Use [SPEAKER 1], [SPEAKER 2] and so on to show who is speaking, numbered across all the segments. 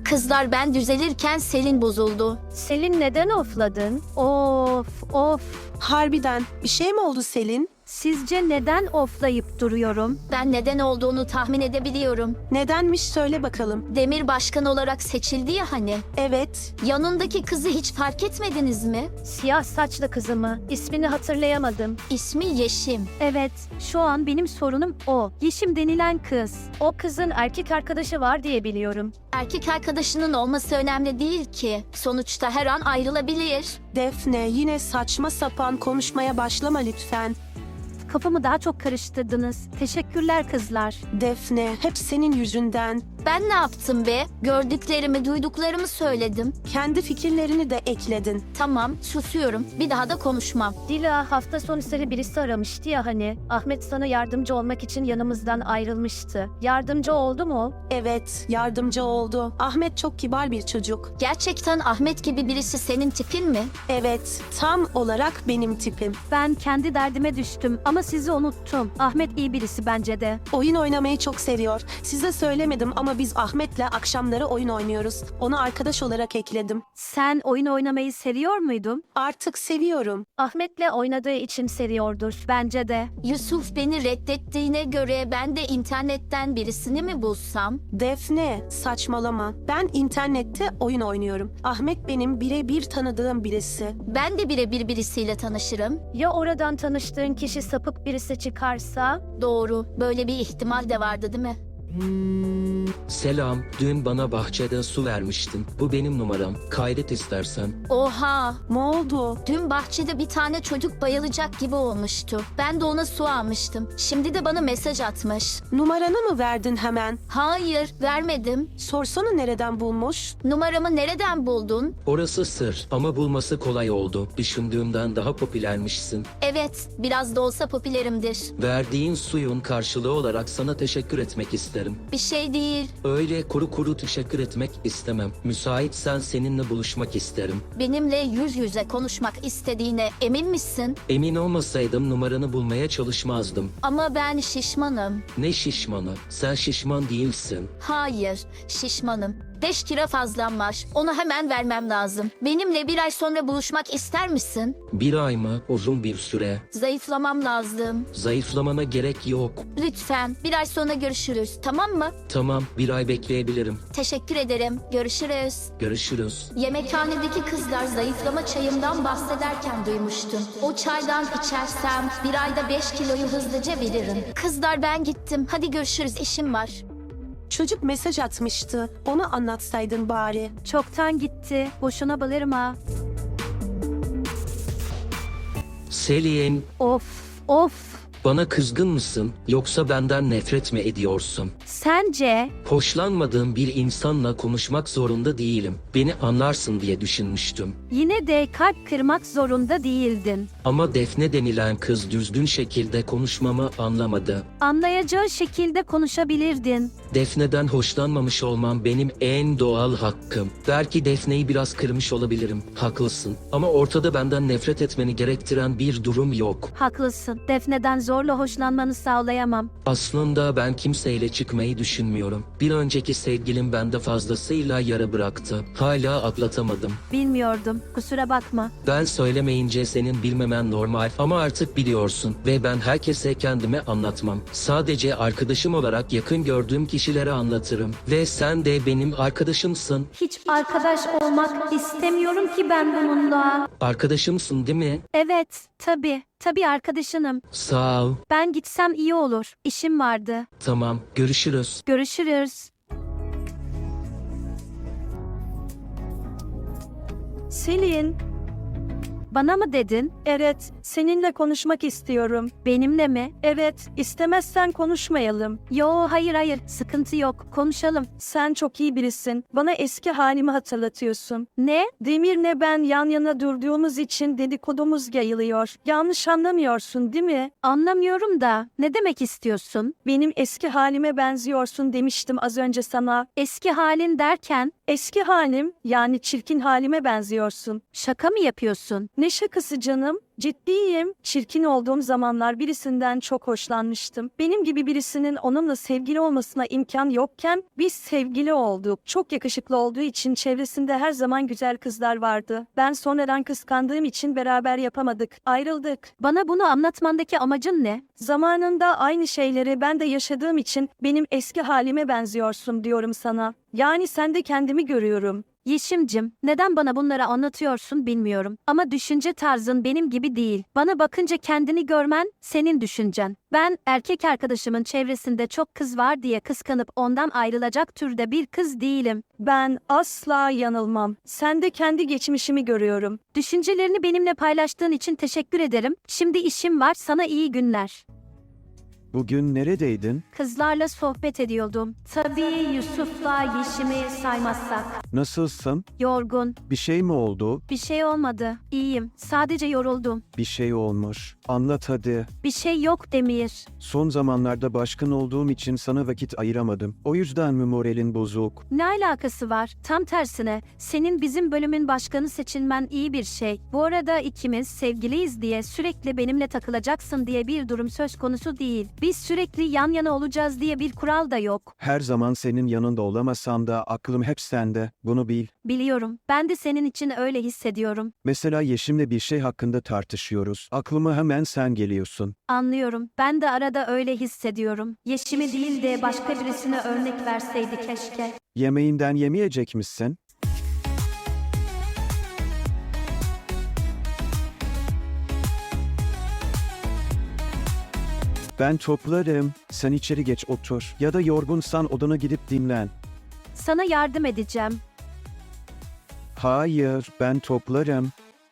[SPEAKER 1] Kızlar ben düzelirken Selin bozuldu.
[SPEAKER 2] Selin neden ofladın? Of.
[SPEAKER 3] Harbiden bir şey mi oldu Selin?
[SPEAKER 2] Sizce neden oflayıp duruyorum?
[SPEAKER 1] Ben neden olduğunu tahmin edebiliyorum.
[SPEAKER 3] Nedenmiş söyle bakalım.
[SPEAKER 1] Demir başkan olarak seçildi ya hani.
[SPEAKER 3] Evet,
[SPEAKER 1] Yanındaki kızı hiç fark etmediniz mi?
[SPEAKER 2] Siyah saçlı kızımı. İsmini hatırlayamadım.
[SPEAKER 1] İsmi Yeşim.
[SPEAKER 2] Evet, şu an benim sorunum o. Yeşim denilen kız. O kızın erkek arkadaşı var diye biliyorum.
[SPEAKER 1] Erkek arkadaşının olması önemli değil ki. Sonuçta her an ayrılabilir.
[SPEAKER 3] Defne yine saçma sapan konuşmaya başlama lütfen.
[SPEAKER 2] Kafamı daha çok karıştırdınız. Teşekkürler kızlar.
[SPEAKER 3] Defne hep senin yüzünden.
[SPEAKER 1] Ben ne yaptım be? Gördüklerimi, duyduklarımı söyledim.
[SPEAKER 3] Kendi fikirlerini de ekledin.
[SPEAKER 1] Tamam, susuyorum. Bir daha da konuşmam.
[SPEAKER 2] Dila hafta sonu seni birisi aramıştı ya hani. Ahmet sana yardımcı olmak için yanımızdan ayrılmıştı. Yardımcı oldu mu?
[SPEAKER 3] Evet, yardımcı oldu. Ahmet çok kibar bir çocuk.
[SPEAKER 1] Gerçekten Ahmet gibi birisi senin tipin mi?
[SPEAKER 3] Evet, tam olarak benim tipim.
[SPEAKER 2] Ben kendi derdime düştüm ama sizi unuttum. Ahmet iyi birisi bence de.
[SPEAKER 3] Oyun oynamayı çok seviyor. Size söylemedim ama biz Ahmet'le akşamları oyun oynuyoruz. Onu arkadaş olarak ekledim.
[SPEAKER 2] Sen oyun oynamayı seviyor muydun?
[SPEAKER 3] Artık seviyorum.
[SPEAKER 2] Ahmet'le oynadığı için seviyordur bence de.
[SPEAKER 1] Yusuf beni reddettiğine göre ben de internetten birisini mi bulsam?
[SPEAKER 3] Defne, saçmalama. Ben internette oyun oynuyorum. Ahmet benim birebir tanıdığım birisi.
[SPEAKER 1] Ben de birebir birisiyle tanışırım.
[SPEAKER 2] Ya oradan tanıştığın kişi sapık birisi çıkarsa?
[SPEAKER 1] Doğru, böyle bir ihtimal de vardı değil mi?
[SPEAKER 4] Selam, dün bana bahçede su vermiştin. Bu benim numaram. Kaydet istersen.
[SPEAKER 1] Oha!
[SPEAKER 3] Ne oldu?
[SPEAKER 1] Dün bahçede bir tane çocuk bayılacak gibi olmuştu. Ben de ona su almıştım. Şimdi de bana mesaj atmış.
[SPEAKER 3] Numaranı mı verdin hemen?
[SPEAKER 1] Hayır, vermedim.
[SPEAKER 3] Sorsana nereden bulmuş?
[SPEAKER 1] Numaramı nereden buldun?
[SPEAKER 4] Orası sır ama bulması kolay oldu. Düşündüğümden daha popülermişsin.
[SPEAKER 1] Evet, biraz da olsa popülerimdir.
[SPEAKER 4] Verdiğin suyun karşılığı olarak sana teşekkür etmek isterim.
[SPEAKER 1] Bir şey değil.
[SPEAKER 4] Öyle kuru kuru teşekkür etmek istemem. Müsaitsen seninle buluşmak isterim.
[SPEAKER 1] Benimle yüz yüze konuşmak istediğine emin misin?
[SPEAKER 4] Emin olmasaydım numaranı bulmaya çalışmazdım.
[SPEAKER 1] Ama ben şişmanım.
[SPEAKER 4] Ne şişmanı? Sen şişman değilsin.
[SPEAKER 1] Hayır, şişmanım. 5 kilo fazlam var. Onu hemen vermem lazım. Benimle bir ay sonra buluşmak ister misin?
[SPEAKER 4] Bir ay mı? Uzun bir süre.
[SPEAKER 1] Zayıflamam lazım.
[SPEAKER 4] Zayıflamana gerek yok.
[SPEAKER 1] Lütfen bir ay sonra görüşürüz, tamam mı?
[SPEAKER 4] Tamam, bir ay bekleyebilirim.
[SPEAKER 1] Teşekkür ederim. Görüşürüz.
[SPEAKER 4] Görüşürüz.
[SPEAKER 1] Yemekhanedeki kızlar zayıflama çayımdan bahsederken duymuştum. O çaydan içersem bir ayda 5 kiloyu hızlıca veririm. Kızlar ben gittim. Hadi görüşürüz, işim var.
[SPEAKER 3] Çocuk mesaj atmıştı. Onu anlatsaydın bari.
[SPEAKER 2] Çoktan gitti. Boşuna bağırma.
[SPEAKER 4] Selin,
[SPEAKER 2] Of.
[SPEAKER 4] bana kızgın mısın yoksa benden nefret mi ediyorsun?
[SPEAKER 2] Sence?
[SPEAKER 4] Hoşlanmadığım bir insanla konuşmak zorunda değilim. Beni anlarsın diye düşünmüştüm.
[SPEAKER 2] Yine de kalp kırmak zorunda değildin.
[SPEAKER 4] Ama Defne denilen kız düzgün şekilde konuşmamı anlamadı.
[SPEAKER 2] Anlayacağı şekilde konuşabilirdin.
[SPEAKER 4] Defne'den hoşlanmamış olmam benim en doğal hakkım. Belki Defne'yi biraz kırmış olabilirim. Haklısın. Ama ortada benden nefret etmeni gerektiren bir durum yok.
[SPEAKER 2] Haklısın. Defne'den zorla hoşlanmanı sağlayamam.
[SPEAKER 4] Aslında ben kimseyle çıkmayı düşünmüyorum. Bir önceki sevgilim bende fazlasıyla yara bıraktı. Hala atlatamadım.
[SPEAKER 2] Bilmiyordum. Kusura bakma.
[SPEAKER 4] Ben söylemeyince senin bilmemen normal ama artık biliyorsun ve ben herkese kendimi anlatmam. Sadece arkadaşım olarak yakın gördüğüm kişilere anlatırım ve sen de benim arkadaşımsın.
[SPEAKER 2] Hiç arkadaş olmak istemiyorum ki ben bununla.
[SPEAKER 4] Arkadaşımsın değil mi?
[SPEAKER 2] Evet, tabii. Tabii arkadaşınım.
[SPEAKER 4] Sağ ol.
[SPEAKER 2] Ben gitsem iyi olur. İşim vardı.
[SPEAKER 4] Tamam, görüşürüz.
[SPEAKER 2] Görüşürüz.
[SPEAKER 5] Selin,
[SPEAKER 2] Bana mı dedin?
[SPEAKER 5] evet, seninle konuşmak istiyorum.
[SPEAKER 2] Benimle mi?
[SPEAKER 5] Evet, istemezsen konuşmayalım.
[SPEAKER 2] Yo, hayır. Sıkıntı yok. Konuşalım.
[SPEAKER 5] Sen çok iyi birisin. Bana eski halimi hatırlatıyorsun.
[SPEAKER 2] Ne?
[SPEAKER 5] Demir'le ben yan yana durduğumuz için dedikodumuz yayılıyor. Yanlış anlamıyorsun, değil mi?
[SPEAKER 2] Anlamıyorum da. Ne demek istiyorsun?
[SPEAKER 5] Benim eski halime benziyorsun demiştim az önce sana.
[SPEAKER 2] Eski halin derken
[SPEAKER 5] Eski halim, yani çirkin halime benziyorsun.
[SPEAKER 2] şaka mı yapıyorsun?
[SPEAKER 5] Ne şakası canım? Ciddiyim. Çirkin olduğum zamanlar birisinden çok hoşlanmıştım. Benim gibi birisinin onunla sevgili olmasına imkan yokken biz sevgili olduk. Çok yakışıklı olduğu için çevresinde her zaman güzel kızlar vardı. Ben sonradan kıskandığım için beraber yapamadık. Ayrıldık.
[SPEAKER 2] Bana bunu anlatmandaki amacın ne?
[SPEAKER 5] Zamanında aynı şeyleri ben de yaşadığım için benim eski halime benziyorsun diyorum sana. Yani sende kendimi görüyorum.
[SPEAKER 2] Yeşimcim, neden bana bunları anlatıyorsun bilmiyorum. Ama düşünce tarzın benim gibi değil. Bana bakınca kendini görmen senin düşüncen. Ben erkek arkadaşımın çevresinde çok kız var diye kıskanıp ondan ayrılacak türde bir kız değilim.
[SPEAKER 5] Ben asla yanılmam. Sende kendi geçmişimi görüyorum.
[SPEAKER 2] Düşüncelerini benimle paylaştığın için teşekkür ederim. Şimdi işim var, sana iyi günler.
[SPEAKER 6] Bugün neredeydin?
[SPEAKER 2] Kızlarla sohbet ediyordum. Tabii Yusuf'la Yeşim'i saymazsak.
[SPEAKER 6] Nasılsın?
[SPEAKER 2] Yorgun.
[SPEAKER 6] Bir şey mi oldu?
[SPEAKER 2] Bir şey olmadı. İyiyim. Sadece yoruldum.
[SPEAKER 6] Bir şey olmuş. Anlat hadi.
[SPEAKER 2] Bir şey yok Demir.
[SPEAKER 6] Son zamanlarda başkan olduğum için sana vakit ayıramadım. O yüzden mi moralin bozuk?
[SPEAKER 2] Ne alakası var? Tam tersine. Senin bizim bölümün başkanı seçilmen iyi bir şey. Bu arada ikimiz sevgiliyiz diye sürekli benimle takılacaksın diye bir durum söz konusu değil. Biz sürekli yan yana olacağız diye bir kural da yok.
[SPEAKER 6] Her zaman senin yanında olamasam da aklım hep sende. Bunu bil.
[SPEAKER 2] Biliyorum. Ben de senin için öyle hissediyorum.
[SPEAKER 6] Mesela Yeşim'le bir şey hakkında tartışıyoruz. Aklıma hemen sen geliyorsun.
[SPEAKER 2] Anlıyorum. Ben de arada öyle hissediyorum. Yeşim'i değil de başka birisine örnek verseydi keşke.
[SPEAKER 6] Yemeğinden yemeyecek misin? Ben toplarım. Sen içeri geç otur. Ya da yorgunsan odana gidip dinlen.
[SPEAKER 2] Sana yardım edeceğim.
[SPEAKER 6] Hayır, ben toplarım.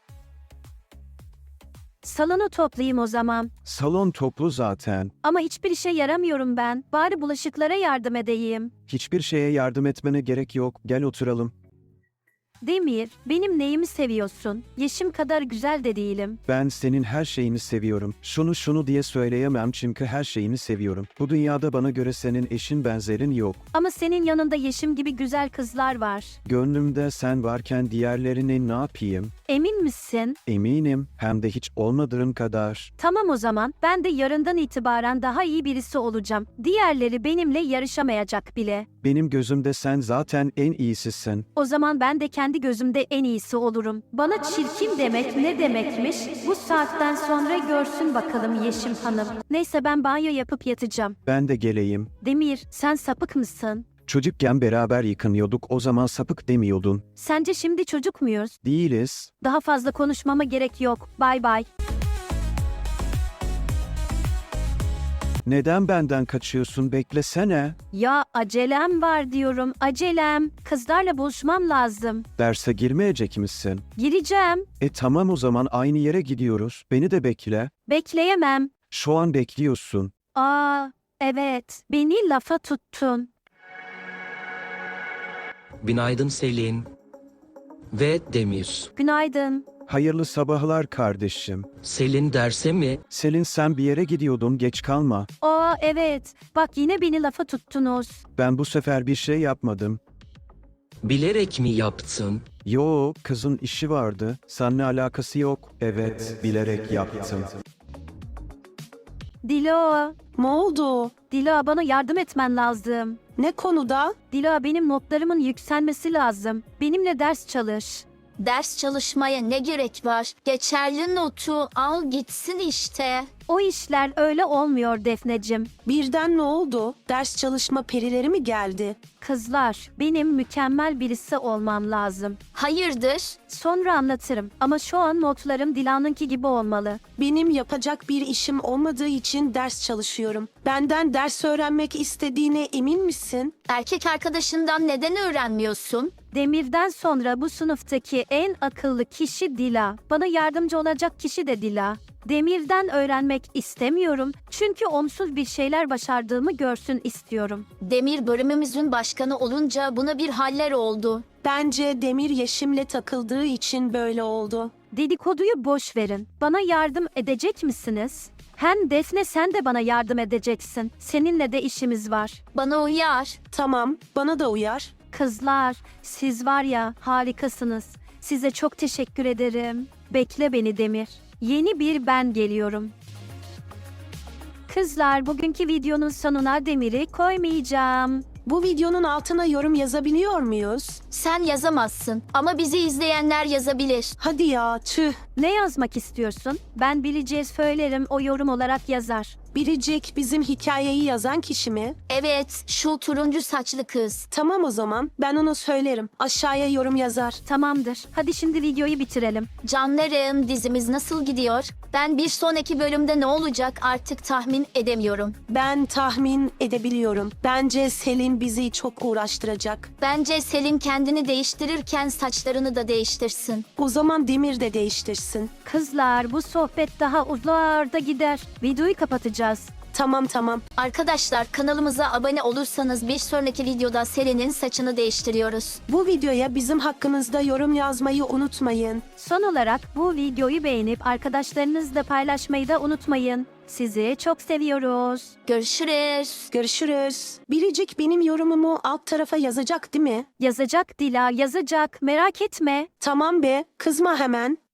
[SPEAKER 2] Salonu toplayayım o zaman.
[SPEAKER 6] Salon toplu zaten.
[SPEAKER 2] Ama hiçbir işe yaramıyorum ben. Bari bulaşıklara yardım edeyim.
[SPEAKER 6] Hiçbir şeye yardım etmene gerek yok. Gel oturalım.
[SPEAKER 2] Demir, benim neyimi seviyorsun? Yeşim kadar güzel de değilim.
[SPEAKER 6] Ben senin her şeyini seviyorum. Şunu diye söyleyemem çünkü her şeyini seviyorum. Bu dünyada bana göre senin eşin benzerin yok.
[SPEAKER 2] Ama senin yanında Yeşim gibi güzel kızlar var.
[SPEAKER 6] Gönlümde sen varken diğerlerini ne yapayım?
[SPEAKER 2] Emin misin?
[SPEAKER 6] Eminim, hem de hiç olmadığın kadar.
[SPEAKER 2] Tamam o zaman. Ben de yarından itibaren daha iyi birisi olacağım. Diğerleri benimle yarışamayacak bile.
[SPEAKER 6] Benim gözümde sen zaten en iyisisin.
[SPEAKER 2] O zaman ben de kendi gözümde en iyisi olurum. Bana çirkin demek ne demekmiş? Bu saatten sonra görsün bakalım Yeşim Hanım. Neyse ben banyo yapıp yatacağım.
[SPEAKER 6] Ben de geleyim.
[SPEAKER 2] Demir, sen sapık mısın?
[SPEAKER 6] Çocukken beraber yıkanıyorduk, o zaman sapık demiyordun.
[SPEAKER 2] Sence şimdi çocuk muyuz?
[SPEAKER 6] Değiliz.
[SPEAKER 2] Daha fazla konuşmama gerek yok. Bay bay.
[SPEAKER 6] Neden benden kaçıyorsun, beklesene.
[SPEAKER 2] Ya acelem var diyorum. Acelem. Kızlarla buluşmam lazım.
[SPEAKER 6] Derse girmeyecek misin?
[SPEAKER 2] Gireceğim.
[SPEAKER 6] Tamam o zaman aynı yere gidiyoruz. Beni de bekle.
[SPEAKER 2] Bekleyemem.
[SPEAKER 6] Şu an bekliyorsun.
[SPEAKER 2] Aa, evet. Beni lafa tuttun.
[SPEAKER 4] Günaydın Selin. Ve Demir.
[SPEAKER 2] Günaydın.
[SPEAKER 6] Hayırlı sabahlar kardeşim.
[SPEAKER 4] Selin derse mi?
[SPEAKER 6] Selin sen bir yere gidiyordun, geç kalma.
[SPEAKER 2] Aa, evet. Bak yine beni lafa tuttunuz.
[SPEAKER 6] Ben bu sefer bir şey yapmadım.
[SPEAKER 4] Bilerek mi yaptın?
[SPEAKER 6] Yo, kızın işi vardı. Seninle alakası yok. Evet, bilerek yaptım.
[SPEAKER 2] Dilo.
[SPEAKER 3] Ne oldu?
[SPEAKER 2] Dilo bana yardım etmen lazım.
[SPEAKER 3] Ne konuda?
[SPEAKER 2] Dilo benim notlarımın yükselmesi lazım. Benimle ders çalış.
[SPEAKER 1] Ders çalışmaya ne gerek var? Geçerli notu al gitsin işte.
[SPEAKER 2] O işler öyle olmuyor Defnecim.
[SPEAKER 3] Birden ne oldu? Ders çalışma perileri mi geldi?
[SPEAKER 2] Kızlar, benim mükemmel birisi olmam lazım.
[SPEAKER 1] Hayırdır?
[SPEAKER 2] Sonra anlatırım ama şu an notlarım Dilan'ınki gibi olmalı.
[SPEAKER 3] Benim yapacak bir işim olmadığı için ders çalışıyorum. Benden ders öğrenmek istediğine emin misin?
[SPEAKER 1] Erkek arkadaşından neden öğrenmiyorsun?
[SPEAKER 2] Demir'den sonra bu sınıftaki en akıllı kişi Dila. Bana yardımcı olacak kişi de Dila. Demir'den öğrenmek istemiyorum çünkü onsuz bir şeyler başardığımı görsün istiyorum.
[SPEAKER 1] Demir bölümümüzün başkanı olunca buna bir haller oldu.
[SPEAKER 3] Bence Demir Yeşim'le takıldığı için böyle oldu.
[SPEAKER 2] Dedikoduyu boş verin. Bana yardım edecek misiniz? Hem Defne sen de bana yardım edeceksin. Seninle de işimiz var.
[SPEAKER 1] Bana uyar.
[SPEAKER 3] Tamam, bana da uyar.
[SPEAKER 2] Kızlar, siz var ya harikasınız. Size çok teşekkür ederim. Bekle beni Demir. Yeni bir ben geliyorum. Kızlar, bugünkü videonun sonuna Demir'i koymayacağım.
[SPEAKER 3] Bu videonun altına yorum yazabiliyor muyuz?
[SPEAKER 1] Sen yazamazsın ama bizi izleyenler yazabilir.
[SPEAKER 3] Hadi ya, tüh.
[SPEAKER 2] Ne yazmak istiyorsun? Ben bileceğiz söylerim, o yorum olarak yazar.
[SPEAKER 3] Biricik bizim hikayeyi yazan kişi mi?
[SPEAKER 1] Evet, şu turuncu saçlı kız.
[SPEAKER 3] Tamam o zaman, ben onu söylerim. Aşağıya yorum yazar.
[SPEAKER 2] Tamamdır. Hadi şimdi videoyu bitirelim.
[SPEAKER 1] Canlarım, dizimiz nasıl gidiyor? Ben bir sonraki bölümde ne olacak artık tahmin edemiyorum.
[SPEAKER 3] Ben tahmin edebiliyorum. Bence Selin bizi çok uğraştıracak.
[SPEAKER 1] Bence Selin kendini değiştirirken saçlarını da değiştirsin.
[SPEAKER 3] O zaman Demir de değiştirsin.
[SPEAKER 2] Kızlar, bu sohbet daha uzlarda gider. Videoyu kapatacağız.
[SPEAKER 3] Tamam.
[SPEAKER 1] Arkadaşlar, kanalımıza abone olursanız bir sonraki videoda Selin'in saçını değiştiriyoruz.
[SPEAKER 3] Bu videoya bizim hakkımızda yorum yazmayı unutmayın.
[SPEAKER 2] Son olarak bu videoyu beğenip arkadaşlarınızla paylaşmayı da unutmayın. Sizi çok seviyoruz.
[SPEAKER 1] Görüşürüz.
[SPEAKER 3] Görüşürüz. Biricik benim yorumumu alt tarafa yazacak değil mi?
[SPEAKER 2] Yazacak Dila, yazacak. Merak etme.
[SPEAKER 3] Tamam be, kızma hemen.